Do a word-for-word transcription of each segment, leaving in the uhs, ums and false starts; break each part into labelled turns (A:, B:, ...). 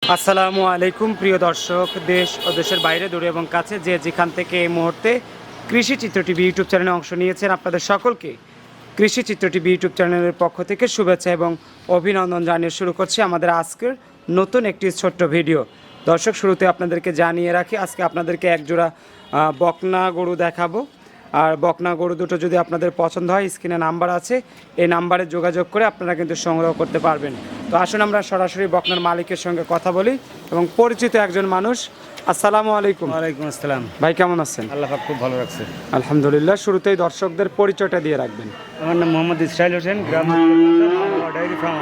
A: আসসালামু আলাইকুম প্রিয় দর্শক, দেশ ও দেশের বাইরে দূরে এবং কাছে যে যেখান থেকে এই মুহূর্তে কৃষি চিত্র টিভি ইউটিউব চ্যানেলে অংশ নিয়েছেন, আপনাদের সকলকে কৃষি চিত্র টিভি ইউটিউব চ্যানেলের পক্ষ থেকে শুভেচ্ছা এবং অভিনন্দন জানিয়ে শুরু করছি আমাদের আজকের নতুন একটি ছোট্ট ভিডিও। দর্শক, শুরুতে আপনাদেরকে জানিয়ে রাখি, আজকে আপনাদেরকে একজোড়া বকনা গরু দেখাবো। আর বকনা গরু দুটো যদি আপনাদের পছন্দ হয়, স্ক্রিনে নাম্বার আছে, এই নাম্বারে যোগাযোগ করে আপনারা কিন্তু সংগ্রহ করতে পারবেন। তো আসুন আমরা সরাসরি বকনার মালিকের সঙ্গে কথা বলি এবং পরিচিত একজন মানুষ। আসসালামু আলাইকুম।
B: ওয়ালাইকুম আসসালাম।
A: ভাই, কেমন আছেন?
B: আল্লাহ পাক খুব ভালো রাখছে।
A: আলহামদুলিল্লাহ। শুরুতেই দর্শকদের পরিচয়টা দিয়ে রাখবেন।
B: আমার নাম মোহাম্মদ ইসরাইল হোসেন, গ্রাম ডায়েরি ফার্ম।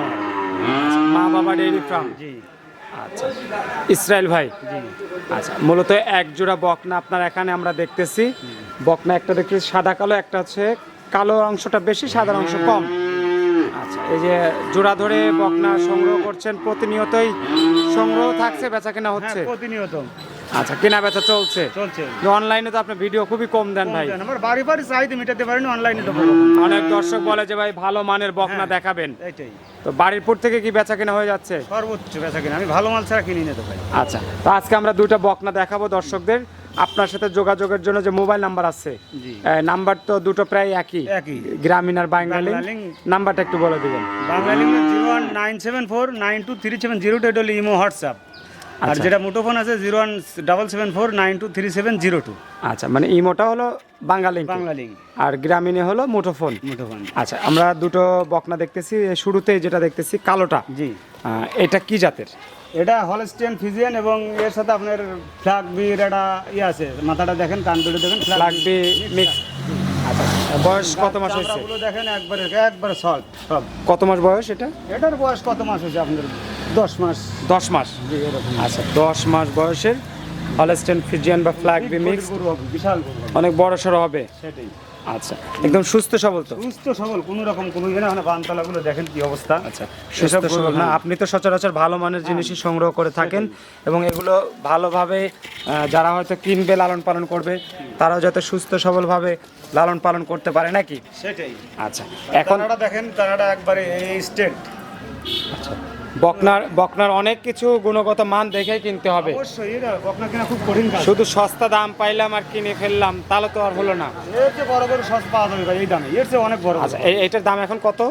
A: মা বাবা ডেইরি ফার্ম।
B: জি।
A: আচ্ছা, ইসরাইল ভাই।
B: জি।
A: আচ্ছা, মূলত এক জোড়া বকনা আপনার এখানে আমরা দেখতেছি। বকনা একটা দেখতেছি সাদা কালো, একটা হচ্ছে কালো অংশটা বেশি, সাদা অংশ কম। আচ্ছা, এই যে জোড়া ধরে বকনা সংগ্রহ করছেন, প্রতিনিয়তই সংগ্রহ থাকছে, বেচা কেনা হচ্ছে?
B: হ্যাঁ, প্রতিনিয়ত।
A: আচ্ছা, কেনা বেচা চলছে
B: চলছে।
A: অনলাইনে তো আপনি ভিডিও খুবই কম দেন ভাই।
B: আমার বাড়ি বাড়ি চাহিদা মেটাতে পারেনি, অনলাইনে দেবো।
A: অনেক দর্শক বলে যে ভাই ভালো মানের বকনা
B: হ্যাঁ,
A: দেখাবেন।
B: এইটাই
A: তো বাড়িরপুর থেকে কি বেচা কেনা হয়ে যাচ্ছে?
B: সর্বোচ্চ বেচা কিনা আমি ভালো মাল ছাড়া কিনি না তো ভাই।
A: আচ্ছা, তো আজকে আমরা দুইটা বকনা দেখাবো দর্শকদের। আপনার সাথে যোগাযোগের জন্য যে মোবাইল নাম্বার আছে,
B: জি।
A: নাম্বার তো দুটো প্রায় একই,
B: একই।
A: গ্রামীণ আর বাঙালি।
B: বাংলালিং।
A: নাম্বারটা একটু বলে দিবেন।
B: বাঙালি zero one nine seven four nine two three seven zero two, এটা হলো ইমো হোয়াটসঅ্যাপ। আর
A: আচ্ছা।
B: যেটা মুঠোফোন আছে zero one double seven four nine two three seven zero two.
A: আচ্ছা, মানে ইমোটা হলো বাঙালি,
B: বাংলালিং
A: আর গ্রামীণে হলো মুঠোফোন।
B: মুঠোফোন।
A: আচ্ছা, আমরা দুটো বকনা দেখতেছি। শুরুতেই যেটা দেখতেছি কালোটা,
B: জি।
A: আহ, এটা কি জাতের?
B: এটা হলস্টেইন ফিজিয়ান এবং এর সাথে আপনার ফ্ল্যাগ বির একটা ইয়ে আছে। মাথাটা দেখেন, কান দুটো দেখেন,
A: লাগবে মিক্স। আচ্ছা, বয়স কত মাস হয়েছে?
B: চামড়াগুলো দেখেন, একবারে একবারে সল্ট সব।
A: কত মাস বয়স এটা?
B: এটার বয়স কত মাস হয়েছে আপনার? দশ মাস।
A: দশ মাস।
B: জি, এরকম।
A: আচ্ছা, দশ মাস বয়সের হলস্টেইন ফিজিয়ান বা ফ্ল্যাগ বি মিক্স,
B: গরু হবে, বিশাল গরু হবে।
A: অনেক বড় সড়ো হবে।
B: সেটাই।
A: আচ্ছা, একদম সুস্থ সবল তো?
B: সুস্থ সবল, কোনো রকম কোনো ইয়ে না। মানে বানতলাগুলো দেখেন কি অবস্থা।
A: আচ্ছা, সুস্থ সবল না? আপনি তো সচরাচর ভালো মানের জিনিসই সংগ্রহ করে থাকেন এবং এগুলো ভালোভাবে আহ, যারা হয়তো কিনবে, লালন পালন করবে, তারাও যাতে সুস্থ সবলভাবে লালন পালন করতে পারে নাকি?
B: সেটাই।
A: আচ্ছা, এখন
B: তারাটা দেখেন, তারাটা একবারে এই স্টেট।
A: আচ্ছা, বকনার বকনার অনেক কিছু গুণগত মান দেখে কিনতে হবে।
B: অবশ্যই, এটা বকনা কেনা খুব কঠিন কাজ।
A: শুধু সস্তা দাম পাইলাম আর কিনে ফেললাম তাহলে তো আর হলো না।
B: এর চেয়ে বড় বড় সস পাওয়া যাবে ভাই এই দামে, এর চেয়ে অনেক বড়।
A: আচ্ছা, এই- এইটার দাম এখন কত?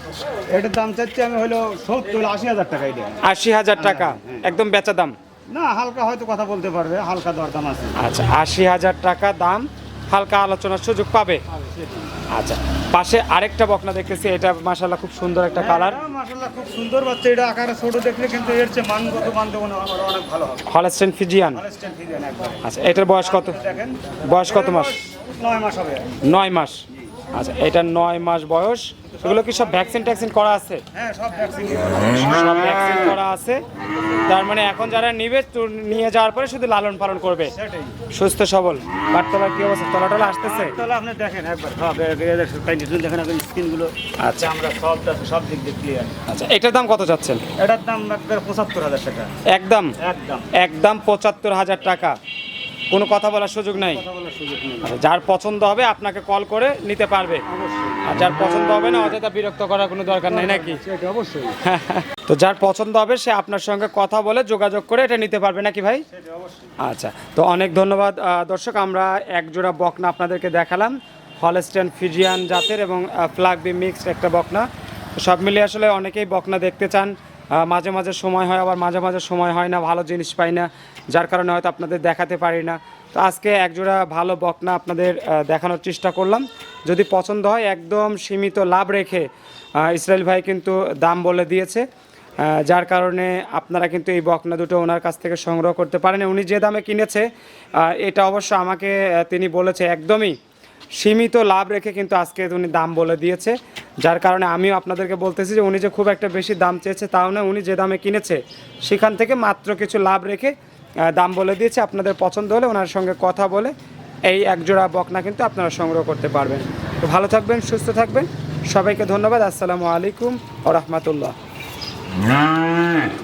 B: এটার দাম চাচ্ছি আমি হলো সত্তর আশি হাজার টাকা। এটা
A: আশি হাজার টাকা একদম বেচা দাম?
B: না, হালকা হয়তো কথা বলতে পারবে, হালকা দরদাম আছে।
A: আচ্ছা, আশি হাজার টাকা দাম, হালকা আলোচনার সুযোগ পাবে। আচ্ছা, পাশে আরেকটা বকনা দেখতেছি, এটা মাশাআল্লাহ খুব সুন্দর একটা কালার।
B: মাশাআল্লাহ খুব সুন্দর বাচ্চা। এটা আকারে ছোট দেখলে কিন্তু এর চেয়ে মানগত মান দেবো না, আমার অনেক ভালো হবে।
A: Holstein Friesian.
B: হলস্টেইন ফিজিয়ান একবারে।
A: আচ্ছা, এটার বয়স কত?
B: দেখেন,
A: বয়স কত মাস?
B: নয় মাস হবে।
A: নয় মাস। আচ্ছা, এটা নয় মাস বয়স। এগুলো কি সব ভ্যাকসিন ট্যাকসিন করা আছে?
B: হ্যাঁ, সব ভ্যাকসিন।
A: সব ভ্যাকসিন করা আছে। তার মানে এখন যারা নিবে তো নিয়ে যাওয়ার পরে শুধু লালন পালন করবে,
B: সেটাই।
A: সুস্থ সবল। বাটতলার কি অবস্থা? তলাটলা আসতেছে?
B: তাহলে আপনি দেখেন একবার সব দেখেন, এখন স্কিনগুলো।
A: আচ্ছা।
B: আমরা সব সব দিক দিয়ে ক্লিয়ার।
A: আচ্ছা, এটার দাম কত চাচ্ছেন?
B: এটার দাম একবার পঁচাত্তর হাজার টাকা।
A: একদম
B: একদম
A: একদম পঁচাত্তর হাজার টাকা। কোনো কথা বলার সুযোগ নাই?
B: কথা বলার সুযোগ নেই।
A: আচ্ছা, যার পছন্দ হবে আপনাকে কল করে নিতে পারবে,
B: অবশ্যই।
A: আর যার পছন্দ হবে না অযথা বিরক্ত করার কোনো দরকার নেই নাকি?
B: সেটা অবশ্যই।
A: তো যার পছন্দ হবে সে আপনার সঙ্গে কথা বলে যোগাযোগ করে এটা নিতে পারবে নাকি ভাই?
B: সেটা অবশ্যই।
A: আচ্ছা, তো অনেক ধন্যবাদ আহ, দর্শক। আমরা এক জোড়া বকনা আপনাদেরকে দেখালাম, হলস্টেইন ফিজিয়ান জাতের এবং ফ্ল্যাগ বি মিক্সড একটা বকনা। তো সব মিলিয়ে আসলে অনেকেই বকনা দেখতে চান। আহ, মাঝে মাঝে সময় হয়, আবার মাঝে মাঝে সময় হয় না, ভালো জিনিস পাই না, যার কারণে হয়তো আপনাদের দেখাতে পারি না। তো আজকে একজোড়া ভালো বকনা আপনাদের আহ, দেখানোর চেষ্টা করলাম। যদি পছন্দ হয় একদম সীমিত লাভ রেখে আহ, ইসরাইল ভাই কিন্তু দাম বলে দিয়েছে, আহ, যার কারণে আপনারা কিন্তু এই বকনা দুটো ওনার কাছ থেকে সংগ্রহ করতে পারেন। উনি যে দামে কিনেছে আহ, এটা অবশ্য আমাকে আহ, তিনি বলেছে একদমই সীমিত লাভ রেখে কিন্তু আজকে উনি দাম বলে দিয়েছে, যার কারণে আমিও আপনাদেরকে বলতেছি যে উনি যে খুব একটা বেশি দাম চেয়েছে তাও না, উনি যে দামে কিনেছে সেখান থেকে মাত্র কিছু লাভ রেখে আহ, দাম বলে দিয়েছে। আপনাদের পছন্দ হলে ওনার সঙ্গে কথা বলে এই একজোড়া বকনা কিন্তু আপনারা সংগ্রহ করতে পারবেন। তো ভালো থাকবেন, সুস্থ থাকবেন, সবাইকে ধন্যবাদ। আসসালামু আলাইকুম ওয়া রাহমাতুল্লাহ।